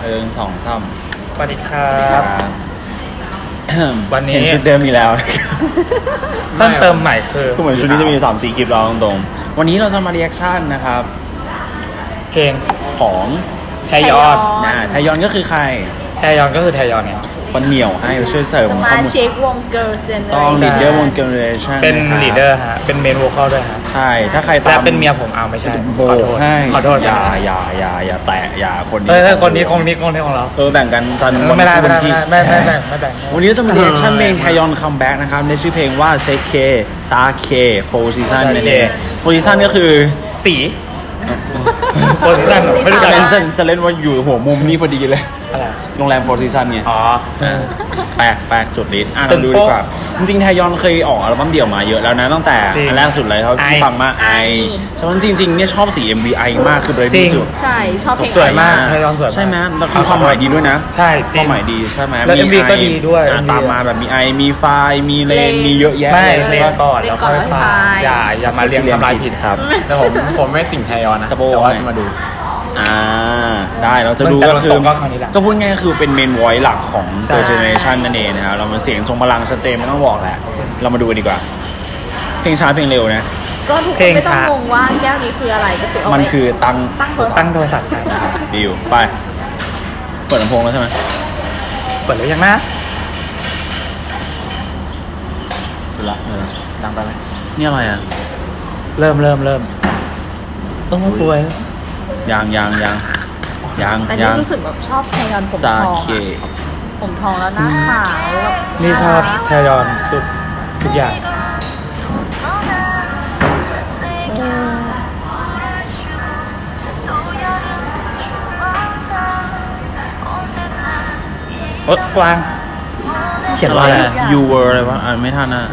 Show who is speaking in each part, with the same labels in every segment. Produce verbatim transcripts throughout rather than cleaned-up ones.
Speaker 1: เออสองสาม
Speaker 2: สวัสดีครับวันนี้
Speaker 1: เห็นชุดเดิมมีแล้ว
Speaker 2: เพิ่มเติมใหม่คือ
Speaker 1: ก็เหมือนชุดนี้จะมีสามสี่คลิปเราตรงๆวันนี้เราจะมาเรีแอคชั่นนะครับ
Speaker 2: เพลง
Speaker 1: ของ
Speaker 2: แทยอน
Speaker 1: นะแทยอนก็คือใคร
Speaker 2: แทยอนก็คือแทยอนไง
Speaker 1: คนเหนียวให้ช่วยเสริม
Speaker 3: สมาชิกวง Girl Generation
Speaker 1: ต้องลีดเดอร์วง Generation
Speaker 2: เป็นลีดเดอร์ฮะเป็นเมนโวคอลด้วยฮะ
Speaker 1: ใช่ถ้าใครตาม
Speaker 2: เป็นเมียผมเอาไม่ใช่
Speaker 1: โบให้
Speaker 2: ขอโทษ
Speaker 1: อย่าอย่าอย่าอย่าแตะอย่าคนนี้
Speaker 2: เออคนนี้คนนี้คนนี้ของเรา
Speaker 1: เออแบ่งกันตอน
Speaker 2: ไม่ได้ไม่ได้ไม่ไม่แบ่งไม่แบ่ง
Speaker 1: วันนี้จะมาเรีแอคชั่นเพลงแทยอนคัมแบ็กนะครับในชื่อเพลงว่าเซเคซาเคโพซิชันนั่นเองโพซิชันก็คือ
Speaker 2: สีโพซิชันไม่รู้จะ
Speaker 1: เล่นจะเล่นว่าอยู่หัวมุมนี้พอดีเลยโรงแรมโฟร์ซีซันไง
Speaker 2: อ๋อ
Speaker 1: แปลกแปลกสุดฤทธิ์อ่ะเราดูดีกว่าจริงๆแทยอนเคยออกอัลบั้มเดี่ยวมาเยอะแล้วนะตั้งแต่อันแรกสุดเลยเขาที่ฟังมากไอฉะนั้นจริงๆเนี่ยชอบสี เอ็ม วี ไอ มากคือเบรดดี้สุด
Speaker 3: ใช่ชอบเพลง
Speaker 2: สวยมากแทยอนสวย
Speaker 1: ใช่ไหมแล้วคือความหมายดีด้วยนะ
Speaker 2: ใช่
Speaker 1: ความหมายดีใช่ไหม
Speaker 2: แล้ว เอ็ม วี ก็ดีด้วย
Speaker 1: ตามมาแบบมีไอมีไฟมีเลนมีเยอะแยะ
Speaker 2: ไม่เลนก่อนแล้วค่อยไฟอย่าอย่ามาเรียงทำลายผิดครับแต่ผมผมไม่ติ่งแทยอนนะแต่ว่าจะมาดู
Speaker 1: อ่าได้เราจะดูก็คือก็พูดง่ายคือเป็นเมนวอยซ์หลักของ Girl Generation นั่นเองนะครับเรามันเสียงทรงพลังชัดเจนไม่ต้องบอกแหละเรามาดูกันดีกว่าเพลงช้าเพลงเร็วนะ
Speaker 3: ก็ทุกคนไม่ต้องงงว่าแก้วนี้คืออะไรก็คือเอาไป
Speaker 1: มันคือตั้ง
Speaker 2: ตั้งโทรศัพท์
Speaker 1: นะครับดิวไปเปิดลำโพงแล้วใช่ไหม
Speaker 2: เปิดแล้วยังนะ
Speaker 1: ดูละเออดังไปไหมนี่อะไรอ่ะ
Speaker 2: เริ่มเริ่มเริ่มต้องมาสวย
Speaker 1: ยังยังยังยัง
Speaker 3: แต่นี่รู้สึกแบบชอบแทยอนผมทองผมทองแล้วหน้าขาว
Speaker 2: นี่ชอบแทยอนสุดทุกอย่างโอ๊ยกวางเขียนว่าอะไร
Speaker 1: you were อะไรวะอ่านไม่ทันนะ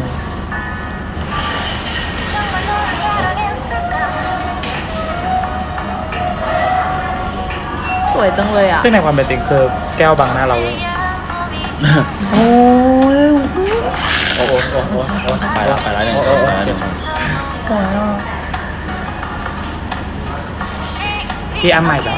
Speaker 3: สวยจังเลยอ่ะ
Speaker 2: ซึ่งในความเป็นจริงคือแก้วบังหน้าเราโอ้ยโอ้โหโอ้โห
Speaker 1: ไปแล้วไปแล้วเนี่ยไปแล้วเนี่ย
Speaker 2: พี่อ้ำใหม่แล้ว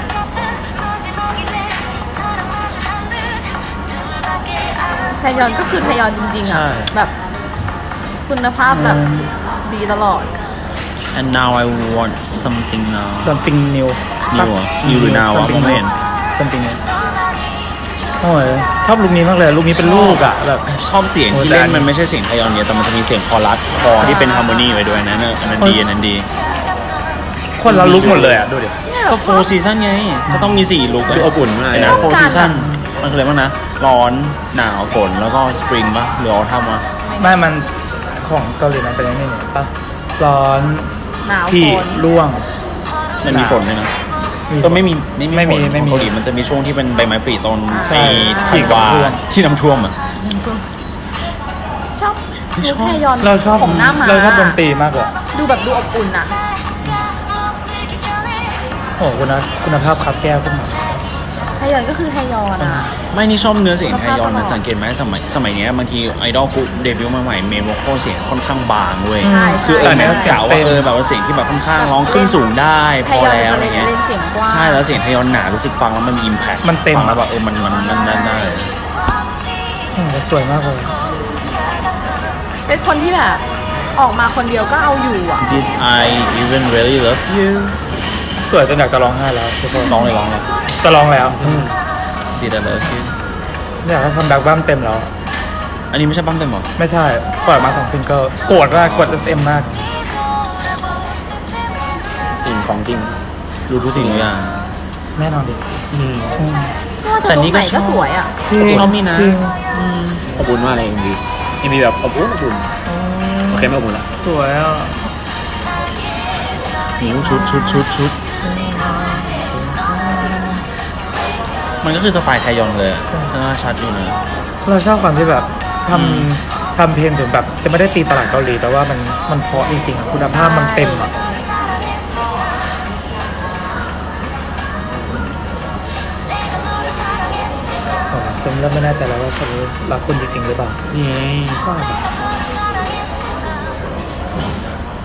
Speaker 3: แทยอนก็คือแทยอนจริงๆอ่ะแบบคุณภาพแบบดีตลอด
Speaker 1: and now I want something now
Speaker 2: something new
Speaker 1: new อ่ะ new หรือ now อ่ะผมเห็น
Speaker 2: something new โอ้ยชอบลุคนี้มากเลยลุคนี้เป็นลูกอ่ะแบบ
Speaker 1: ชอบเสียงที่เล่นมันไม่ใช่เสียงไทยอนเนี่ยแต่มันจะมีเสียงคอรัสคอที่เป็นฮาร์โมนีไว้ด้วยนะอันนั้นดีอันนั้นดี
Speaker 2: คนละลุคหมดเลยอ่ะดูดิ
Speaker 1: ก็โฟร์ซีซั่นไงก็ต้องมีสี่ลุคคืออบอุ่นมากนะโฟร์ซีซั่นมันคืออะไรบ้างนะร้อนหนาวฝนแล้วก็สปริงป่ะหรือออทัมวะ
Speaker 2: ไม่มันของเกาหลีมันเป็นยังไงเนี่ยป่ะร้อน
Speaker 3: หนาว
Speaker 2: ฝนร่วง
Speaker 1: มันมีฝนด้วยนะก็ไม่มีไม่มีไม่มีไม่มีเกาหลีมันจะมีช่วงที่เป็นใบไม้ผลิตอนในที่วาที่น้ำท่วมอ่ะ
Speaker 3: ชอบชอบแทยอน
Speaker 2: เราชอบ
Speaker 3: ผมหน้ามา
Speaker 2: เราชอบดนตรีมากเลย
Speaker 3: ดูแบบดูอบอุ่นอ่ะ
Speaker 2: โอ้คุณนะคุณภาพคับแก้วขึ้นมา
Speaker 3: แทยอนก็คือแทยอนอ่ะ
Speaker 1: ไม่นี่ชอบเนื้อเสียงแทยอนนะสังเกตไหมสมัยสมัยนี้บางทีไอดอลปุ๊บเดบิวต์มาใหม่เมนโวคอลเสียงค่อนข้างบางเว้ยคือเออเนี่ยกล่าวว่าเออแบบว่าเสียงที่แบบค่อนข้างร้องขึ้นสูงได้พอแล้วอะไรเงี้ยใช่แล้วเสียงไทยอนหนารู้สึกฟังแล้วมันมีอิมแพค
Speaker 2: มันเต็ม
Speaker 1: แล้วแบบเออมันมันนั่นนั่นได้
Speaker 2: สวยมากเลย
Speaker 3: เป็นคนที่แบบออกมาคนเดียวก็เอาอยู่อ่ะ
Speaker 1: Did I even really love you
Speaker 2: สวยจนอยากจะร้องไห้แล้วทุกคน
Speaker 1: ร้องเลยร้องเลย
Speaker 2: จะร้องแล้ว
Speaker 1: Did I love you
Speaker 2: อยากให้คัมแบ็คบั้มเต็มแล้ว
Speaker 1: อันนี้ไม่ใช่บั้มเต็มหรอ
Speaker 2: ไม่ใช่ปล่อยมาสองซิงเกิลโกรธมากกด เอส เอ็ม มาก
Speaker 1: จริงของจริงรู้ทุกสิ่งทุกอย่าง
Speaker 2: แน่นอนดิ
Speaker 3: แต่นี่ก็สวยอ่ะ
Speaker 1: ชอบนี่นะ
Speaker 2: อบอุ่นมากเลยเอ็มวีเอ็มวีแบบอบอุ่นอบอุ่นโอเคไม่อบอุ่นละสวยอ่ะ
Speaker 1: ชุดชุดชุดชุดมันก็คือสไตล์ไทยอนเลยน่าชัดอยู่นะ
Speaker 2: เราชอบความที่แบบทำทำเพลงถึงแบบจะไม่ได้ตีตลาดเกาหลีแต่ว่ามันมันเพราะจริงๆคุณภาพมันเต็มอ่ะฉันเริ่มไม่แน่ใจแล้วว่าฉันรักคุณจริงๆหรือเปล่า
Speaker 1: นี่
Speaker 2: ชอบ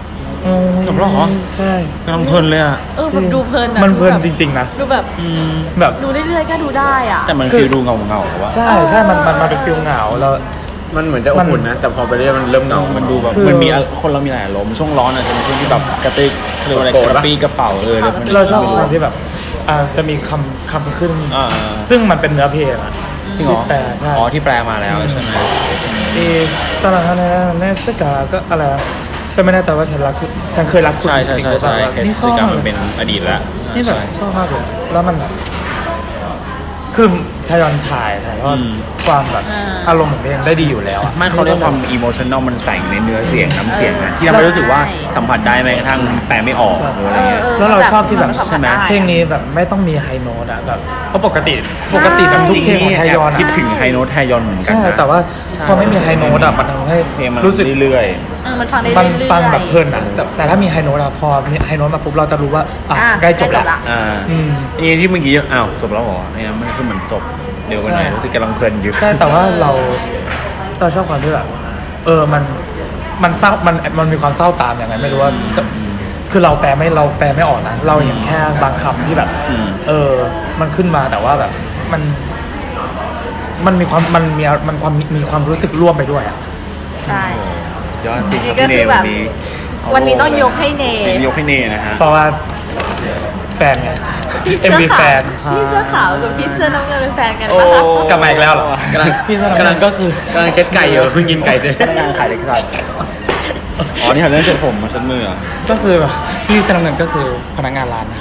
Speaker 1: จบแล้วเหรอ
Speaker 2: ใช่
Speaker 1: กำลังเพลินเลยอ่ะ
Speaker 3: เออแบบดูเพลิน
Speaker 2: มันเพลินจริงๆนะ
Speaker 3: ดูแบบ
Speaker 2: แบบ
Speaker 3: ดูเรื่อยๆก็ดูได้อ่ะ
Speaker 1: แต่มันคือดูเงาเงาว่า
Speaker 2: ใช่ใช่มันมันมันเป็นฟิลเหงาแล้ว
Speaker 4: มันเหมือนจะอบอุ่นนะแต่พอไปเรื่อยมันเริ่มเหงา
Speaker 1: มันดูแบบมันมีคนเรามีหลายอารมณ์ช่วงร้อนอ่ะจะเป็นช่วงที่แบบกระติกเรียกว่าอะไรกระปี้กระเป๋าเออ
Speaker 2: เราชอบตอนที่แบบอ่าจะมีคำคำขึ้นซึ่งมันเป็นเนื้อเพลงอ่ะ
Speaker 1: จริงเหรออ๋อที่แปลมาแล้วใช่ไหม
Speaker 2: ที่สลังอะไรเนสกาก็อะไรฉันไม่แน่ใจว่าฉันรักคุณฉันเคยรักคุณ
Speaker 1: ใช่ใช่ใช่ใช่นี่ชอบมันเป็นอดีตแล้ว
Speaker 2: นี่แบบชอบมากเลยแล้วมันแบบคือทยอนถ่ายถ่ายว่าความแบบอารมณ์ของเพลงได้ดีอยู่แล้วอ่ะ
Speaker 1: ไม่เขาเรียกความอิโมชันแนลมันแต่งในเนื้อเสียงน้ำเสียงนะที่ทำให้รู้สึกว่าสัมผัสได้แม้กระทั่งแปลไม่ออกอะไรเงี้ย
Speaker 2: แล้วเราชอบที่แบบใช่ไหมเพลงนี้แบบไม่ต้องมีไฮโน้ตอ่ะแบบเพราะปกติปกติแบบทุกเพลงของไทยอน
Speaker 1: คิดถึงไฮโน้ตไทยอนเหมือนกันนะ
Speaker 2: แต่ว่าพอไม่มีไฮโน้ตอ่ะมันทำให้
Speaker 1: เพลงมันรู้สึกเรื่อย
Speaker 3: ๆมันฟังได้เรื่อยๆ
Speaker 2: ฟังแบบเพลินอ่ะแต่ถ้ามีไฮโน้ตอ่ะพอมีไฮโน้ตมาปุ๊บเราจะรู้ว่าอ่ะใกล้จบละ
Speaker 1: อ่านี่ที่เมื่อกี้อ้าวจบแล้วเหรอเนี่ยมันคือเหมือนจบเดี๋ยวกันหน่อยรู้สึกกำลังเพลินอยู่
Speaker 2: ใช่แต่ว่าเราเราชอบความที่แบบเออมันมันเศร้ามันมันมีความเศร้าตามอย่างไรไม่รู้ว่าคือเราแปลไม่เราแปลไม่ออกนะเราเห็นแค่บางคำที่แบบเออมันขึ้นมาแต่ว่าแบบมันมันมีความมันมีมันความมีความรู้สึกร่วมไปด้วยอ่ะ
Speaker 3: ใช่
Speaker 1: ยอดจริง
Speaker 3: ก็คือแบบวันนี้ต้องยกให้เน
Speaker 1: ยกให้เนนะฮะ
Speaker 2: เพราะว่าแฟนไงเอ็มวีแฟน
Speaker 3: พี่เสื้อขาวกับพี่เสื้อน้ำเงินเป็นแฟนกัน
Speaker 2: ปะคะกลับมาอีกแล้วเหรอกำลังพี่เสื้อน้ำเงินก็คือก
Speaker 4: ำลังเช็ดไก่อยู่เพิ่งกินไก่เสร็จ
Speaker 1: กำลังขายเล็กๆอ๋อนี่ทำเรื่องเช็ดผมมาเช็ดมือ
Speaker 2: ก็คือพี่เสื้อน้ำเงินก็คือพนักงานร้านนะ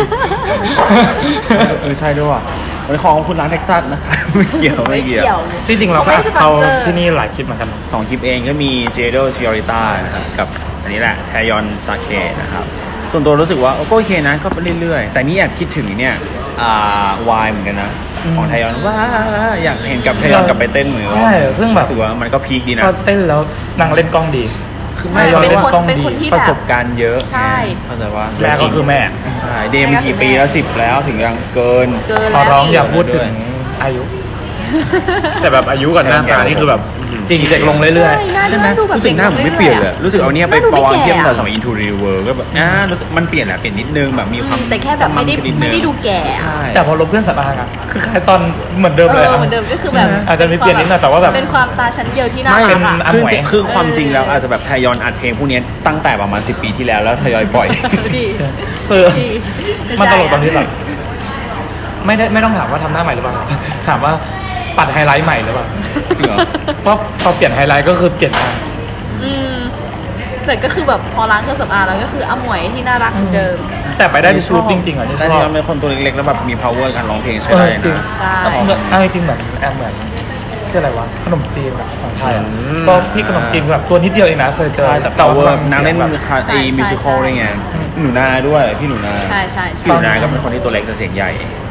Speaker 1: เออใช่ด้วยว่ะเป็นของคุณร้านเท็กซัสนะคะไม่เกี่ยวไม่เกี่ยว
Speaker 2: จริงๆเราก็เขาที่นี่หลายคลิปเหมือนกัน
Speaker 1: สองคลิปเองก็มีเจโดซิออริต้านะครับกับอันนี้แหละแทยอนซาเคนะครับส่วนตัวรู้สึกว่าโอเคนะก็ไปเรื่อยๆแต่นี่อยากคิดถึงเนี่ยอ่าวายเหมือนกันนะของไทยอนว่าอยากเห็นกับไทยอนกับไปเต้นเหมือนกัน
Speaker 2: ใช่ซึ่งแบบ
Speaker 1: รู้สึกว่ามันก็พีคดีนะ
Speaker 2: เต้นแล้วนางเล่นกล้องดี
Speaker 3: คือไทยอนเล่นกล้องดี
Speaker 1: ประสบการณ์เยอะ
Speaker 3: ใช่
Speaker 1: เข้าใจว่า
Speaker 2: แม่ก็คือแม่
Speaker 1: ใช่เดมกี่ปีแล้วสิบแล้วถึงยังเกิน
Speaker 2: ขอร้องอย่าพูดถึงอายุ
Speaker 4: แต่แบบอายุกับหน้าตานี่คือแบบ
Speaker 2: จริงเด็กลงเรื่อย
Speaker 3: ๆใช่ไหม
Speaker 1: รู้สึกหน้าผมไม่เปลี่ยนเลยรู้สึกเอาเนี้ยไปประวัติเทียบกับสมัย Into the World ก็แบบอ่ารู้สึกมันเปลี่ยนแหละเปลี่ยนนิดนึงแบบมีความ
Speaker 3: แต่แค่แบบไม่ได้ไม่ได้ดูแก่
Speaker 2: แต่พอลบเรื่องสำอางอ่ะคือคล้ายตอนเหมือนเดิมเลย
Speaker 3: เหมือนเดิมก็คือแบบ
Speaker 2: อาจจะมีเปลี่ยนนิดหน่อยแต่ว่าแบบ
Speaker 3: เป็นความตาชั้นเดียวที่น่ารักอ่ะ
Speaker 1: คือคือความจริงแล้วอาจจะแบบทยอยอัดเพลงพวกนี้ตั้งแต่ประมาณสิบปีที่แล้วแล้วทยอยปล่อย
Speaker 2: เออมันตลกตอนนี้แบบไม่ได้ไม่ต้องถามว่าทำหน้าใหม่หรือเปล่าถามว่าปัดไฮไลท์ใหม่หรือเปล่า
Speaker 1: จริงเหรอ
Speaker 2: เพราะพอเปลี่ยนไฮไลท์ก็คือเปลี่ยนมา
Speaker 3: อืมแต่ก็คือแบบพอล้างเครื่องสำอางแล้วก็คืออมวยที่น่ารักเหมือนเดิม
Speaker 2: แต่ไปได้ที่ชุดจริงๆอ่ะ
Speaker 1: ที่ชอบเป็นคนตัวเล็กๆแล้วแบบมี power การร้องเพลงใช่ไหมนะ
Speaker 3: ใช่
Speaker 2: เอาจริงๆแบบแอมเหมือนชื่ออะไรวะขนมจีนแบบของไทยอ่ะก็พี่ขนมจีนแบบตัวนิดเดียวเองนะเคยเจอ
Speaker 1: แต่ว่านางเล่นไอ้มิวสิคอลอะไรเงี้ยหนูนาด้วยพี่หนูนา
Speaker 3: ใช่ใช่
Speaker 1: พี่หนูนาก็เป็นคนที่ตัวเล็กแต่เสียงใหญ่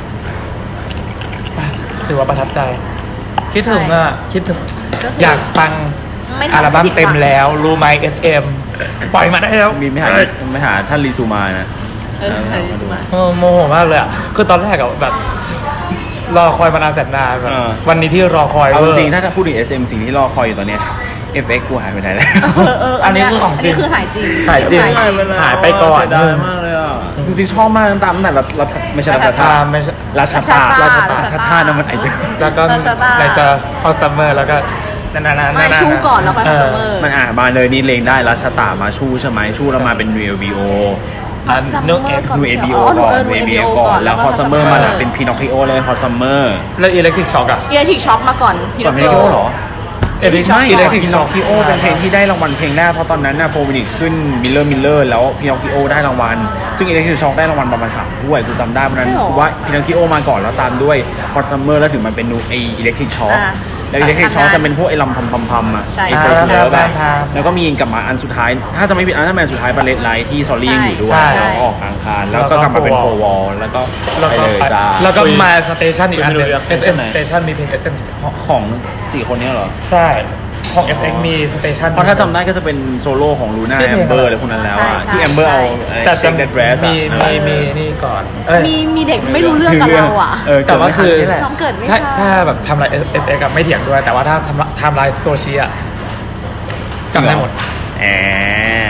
Speaker 2: ถือว่าประทับใจคิดถึงอ่ะคิดถึงอยากฟังอัลบั้มเต็มแล้วรู้ไหม เอส เอ็ม ปล่อยมาได้แล้ว
Speaker 1: มีไม่หาไม่หาท่านรีซูมานะ
Speaker 2: เออโมโหมากเลยอ่ะคือตอนแรกอะแบบรอคอยมานานแสนนานแบบวันนี้ที่รอคอย
Speaker 1: เอาจริงถ้าถ้าพูดถึง เอส เอ็ม สิ่งที่รอคอยอยู่ตอนนี้ เอฟ เอ็กซ์ กูหายไปไหนแล้ว
Speaker 2: อันนี้คือของจริง
Speaker 3: คือหายจริง
Speaker 2: หายจริงหายไปก่อน
Speaker 1: ได้มากเลยอ่ะจริงๆชอบมากตามตั้งแต่รัฐไม่ใช่รัฐธา
Speaker 2: ไม่ใช่
Speaker 1: ราชตาราชตารัฐธานั่นมันไอ้
Speaker 2: แล้วก็อะไรจะพอซัมเมอร์แล้วก็นั่นๆๆ
Speaker 3: ไม่ชูก่อนแล้วค่อยซัมเมอร์
Speaker 1: มันอ่ะมาเลยนี่เลงได้ราชตามาชูใช่ไหมชูแล้วมาเป็น นู เอล บี โอ
Speaker 3: อัน
Speaker 1: นู เอ บี โอ ก่อน นู เอ บี โอ ก่อนแล้วพอซัมเมอร์มาเป็นพีนอคคิโอเลยพอซัมเมอร์
Speaker 2: แล้วอิเล็กทริกช็อคอะ
Speaker 3: อิเล็กทริกช็อคมาก่อน
Speaker 1: พีนอคคิโอเหรอเอพิไม่อิเล็กทริกช็อคพีโอเป็นเพลงที่ได้รางวัลเพลงแรกเพราะตอนนั้นน่ะโฟวินิกขึ้นมิลเลอร์มิลเลอร์แล้วพีนอคคิโอได้รางวัลซึ่งอิเล็กทริกช็อคได้รางวัลประมาณสามถ้วยกูจำได้เพราะนั้นคือว่าพีนอคคิโอมาก่อนแล้วตามด้วยฮอตซัมเมอร์แล้วถึงมันเป็นนูไออิเล็กทริกช็อคแล้วอิเล็กทริกช็อคจะเป็นพวกไอ้ลำพัมพัมพัมอ่ะไอ้สเปซแบบแล้วก็มีกลับมาอันสุดท้ายถ้าจะไม่ผิดอันนั้นเป็นสุดท้ายบาเลตไลท์ที่ซอรี่ยังอยู่ด้วยแล้วออกกลางคานแล้วก็กลับมาเป็นโฟวอลแล้วก็ไปเลยจ้า
Speaker 2: แล้วก็มาสเตชันอีกอันนึงเอสเอ็มสเตชันมีเพลงเอสเอ็ม
Speaker 1: ของสี่คนนี้เหรอ
Speaker 2: ใช่ของ เอฟ เอ็กซ์ มีสเตชัน
Speaker 1: เพราะถ้าจำได้ก็จะเป็นโซโล่ของลูน่าแอมเบอร์อะไรพวกนั้นแล้วที่แอมเบอร์เอา
Speaker 2: แต่จะมีมีมีนี่ก่อน
Speaker 3: มีมีเด็กไม่รู้เรื่องกับเราอ่ะ
Speaker 2: แต่ว่าคือ
Speaker 3: น้องเกิดไม่
Speaker 2: ทันถ้าแบบทำลาย เอฟ เอ็กซ์ กับไม่เถียงด้วยแต่ว่าถ้าทำทำลายโซเชียลจำได้หมด
Speaker 1: แอม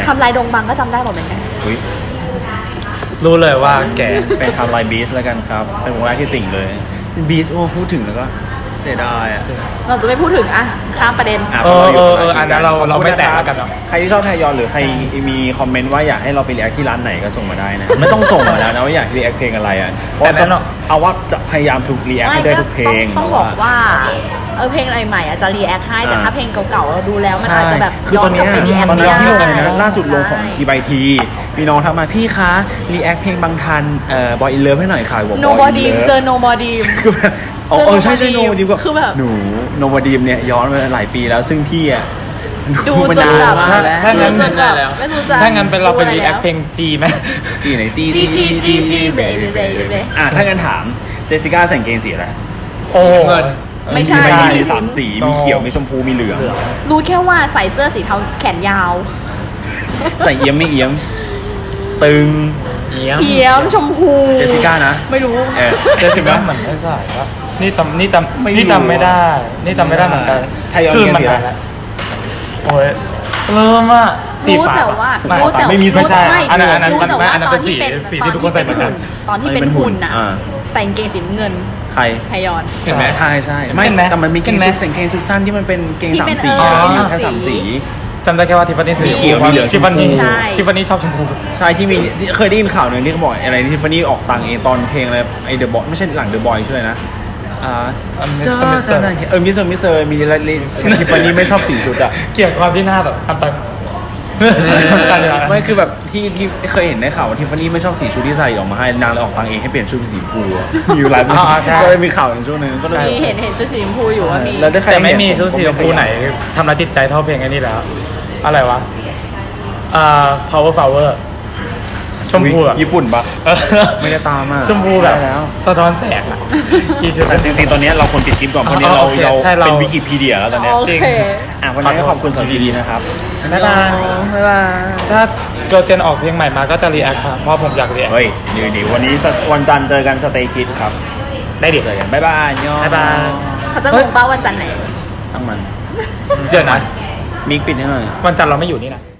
Speaker 3: ทำลายดงบังก็จำได้หมดเหมือนกัน
Speaker 1: อุ๊ย
Speaker 2: รู้เลยว่าแก
Speaker 1: เป็นทำลายบีชแล้วกันครับเป็นวงแรกที่ติ่งเลยบีชโอ้พูดถึงแล้วก็เสียดายอ่ะ
Speaker 3: เราจะไม่พูดถึงอะข้ามประเด็น
Speaker 1: อ่ะ
Speaker 2: เออ
Speaker 1: พราะ
Speaker 2: เออเอออันนั้นเราเราไม่แตะแล้วกันเนาะ
Speaker 1: ใครที่ชอบไทยอนหรือใครมีคอมเมนต์ว่าอยากให้เราไปรีแอคที่ร้านไหนก็ส่งมาได้นะ ไม่ต้องส่งมาแล้วนะว่าอยากรีแอคเพลงอะไรอ่ะเพราะ
Speaker 2: แต่นั้น
Speaker 1: ต้องเอาว่าจะพยายามถูกรีแอคให้ได้ทุกเพลง
Speaker 3: ต้องบอกว่าเออเพลงอะไรใหม่อะจะรีแอคให้แต่ถ้าเพลงเก่าๆเราดูแล้วมัน
Speaker 1: ใช่
Speaker 3: อาจจะแบบ
Speaker 1: คือ
Speaker 3: ย้อ
Speaker 1: ตอน น
Speaker 3: กลับ
Speaker 1: เนี้ย
Speaker 3: ไปรีแอค
Speaker 1: ตอน
Speaker 3: ไม่
Speaker 1: นี้
Speaker 3: ได้
Speaker 1: ที่ลงล่าสุดลงของทีบายทีมีน้องทักมาพี่คะรีแอคเพลงบางทันเอ่อบอยอินเลิฟให้หน่อยค่ะบอก
Speaker 3: โนบอดีมเจอโนบอดีม
Speaker 1: คือแบบอ๋อเออใช่ใช่โน
Speaker 3: Nobody
Speaker 1: บอดีมก็
Speaker 3: คือแบบ
Speaker 1: หนูโนบอดีมเนี่ยย้อนมาหลายปีแล้วซึ่งพี่อ่ะ
Speaker 3: ดูจนแบบ
Speaker 1: มากแล้ว
Speaker 2: ถ้างั้น
Speaker 3: จนแบบไม่รู้จะ
Speaker 2: ถ้างั้นเป็นเราเป็นรีแอคเพลงจีไหม
Speaker 1: จีไหนจี
Speaker 3: จีจีจีจีเบย์เบย์เบย์
Speaker 1: อ่ะถ้างั้นถามเจสสิก้าใส่กางเกงสีอะไร
Speaker 2: โอ้
Speaker 4: เงิน
Speaker 3: ไม่ใช่
Speaker 1: มีสามสีมีเขียวมีชมพูมีเหลือง
Speaker 3: รู้แค่ว่าใส่เสื้อสีเทาแขนยาว
Speaker 1: ใส่เอี้ยมไม่เอี้ยมตึง
Speaker 4: เอี้ยม
Speaker 3: เขียวชมพู
Speaker 1: เจสสิก้านะ
Speaker 3: ไม่รู้
Speaker 1: เออ
Speaker 2: เจสสิก้าเหมือนไม่ใส่ปะนี่จำนี่จำ
Speaker 1: ไม่รู้
Speaker 2: นี่จำไม่ได้ นี่จำไม่ได้เหมือนกัน
Speaker 1: ไทยอน
Speaker 2: คือมัน
Speaker 1: เกมสี
Speaker 2: นาน
Speaker 1: อะไร
Speaker 2: แล้วโอ้ยเริ่มอ่ะสี
Speaker 3: รู้
Speaker 2: ฟ้า
Speaker 3: แต่ว่า
Speaker 2: ไม่
Speaker 3: รู้แต่
Speaker 1: ไม่มี
Speaker 2: ไม่ใช่
Speaker 3: รู้
Speaker 2: อันนั้นอันนั้น
Speaker 3: รู้แต่
Speaker 2: ไม่
Speaker 3: ว่า
Speaker 2: อันนั้น
Speaker 3: ตอน
Speaker 2: เป็นสี
Speaker 3: ที่เป็น
Speaker 2: สีที่ทุกคนใส่เหมือนกัน
Speaker 3: ตอนที่เป็นหุ่นน่ะ
Speaker 1: อ่า
Speaker 3: ใส่กางเกงสีน้ำเงิน
Speaker 1: ใคร
Speaker 3: ไทยอน
Speaker 2: เห็นไหม
Speaker 1: ใช่ใช่ไม่
Speaker 2: เห็นไหม
Speaker 1: แต่มันมีเกง
Speaker 2: เห็นไหม
Speaker 1: ชุดใส่กางเกงชุดสั้นที่มันเป็นเกง
Speaker 3: ที่
Speaker 1: สาม
Speaker 3: เป็น
Speaker 1: สี
Speaker 3: เออ
Speaker 1: อะ
Speaker 3: มี
Speaker 1: มีแค่สามสี
Speaker 2: จำได้แค่ว่าทิฟฟานี่สี
Speaker 1: มีเขียวมีเหลือง
Speaker 2: ทิฟฟานี่
Speaker 3: ใช่
Speaker 2: ทิฟฟานี่ชอบชมพู
Speaker 1: ใช่ที่มีที่เคยได้ยินข่าวหนึ่งที่เขาบอกอะไรที่ฟันนี่ออกตังค์เองตอนเพลงอะไรไอเดอะบอยไม่ใช่หลังเดอะบอยชื่ออะไรนะอ่า
Speaker 2: อันมิสเตอร์มิสเตอร์
Speaker 1: เออมิสเตอร์มิสเตอร์มีอะไรที่ฟันนี่ไม่ชอบสีชุดอะ
Speaker 2: เกลียดความที่หน้าแบบทำไป
Speaker 1: ไม่คือแบบที่ที่เคยเห็นในข่าวว่าทิฟฟานี่ไม่ชอบสีชุดที่ใส่ออกมาให้นางเลยออกตังค์เองให้เปลี่ยนชุดเป็นสีชมพูอะมีอยู่หลายปี
Speaker 2: อ่าใช่
Speaker 1: ก็เลยมีข่าวในช่วงนึงก็เลย
Speaker 3: มีเห็นเห็นชุดสีชมพูอยู่ว่ามี
Speaker 1: แล้วได้ใคร
Speaker 2: แต่ไม่
Speaker 1: เห็น
Speaker 2: มีชุดสีชมพู
Speaker 1: ผก็
Speaker 2: ไหนทำร้ายจิตใจเท่าเพลงไอ้นี่แล้ว อะไรวะอ่า power power ชมพูอะ
Speaker 1: ญี่ปุ่นปะ
Speaker 2: เออ
Speaker 1: ไม่ได้ตามอ่ะ
Speaker 2: ชมพูแบบ
Speaker 1: ได้แล้ว
Speaker 2: สะท้อนแสงอะกี่ชุด
Speaker 1: แต่จริงๆตอนนี้เราควรปิดคลิปก่อนเพราะเนี้เรา
Speaker 2: โอเค
Speaker 1: เรา
Speaker 2: ใช่เรา
Speaker 1: เป็นวิกิพีเดียแล้วตอนเนี้ย
Speaker 3: โอ
Speaker 2: จริง
Speaker 3: เค
Speaker 1: อ่ะวันนี้ก็ขอบคุณสำหรับดีๆนะครับ
Speaker 2: บ๊ายบายบ๊ายบายถ้าโจเจนออกเพลงใหม่มาก็จะรีแอคครับเพราะผมอยากรีแอค
Speaker 1: เฮ้ยเดี๋ยวเดี๋ยววันนี้วันจันทร์เจอกันสเตย์คิดครับ
Speaker 2: ได้ดิ
Speaker 1: เจอกันบ๊ายบายยอ
Speaker 2: บ๊ายบาย
Speaker 3: เขาจะงงป้าวันจันทร์ไหน
Speaker 1: ทั้งมัน
Speaker 2: เจอนะ
Speaker 1: มิกปิดให้หน่อย
Speaker 2: วันจันทร์เราไม่อยู่นี่นะ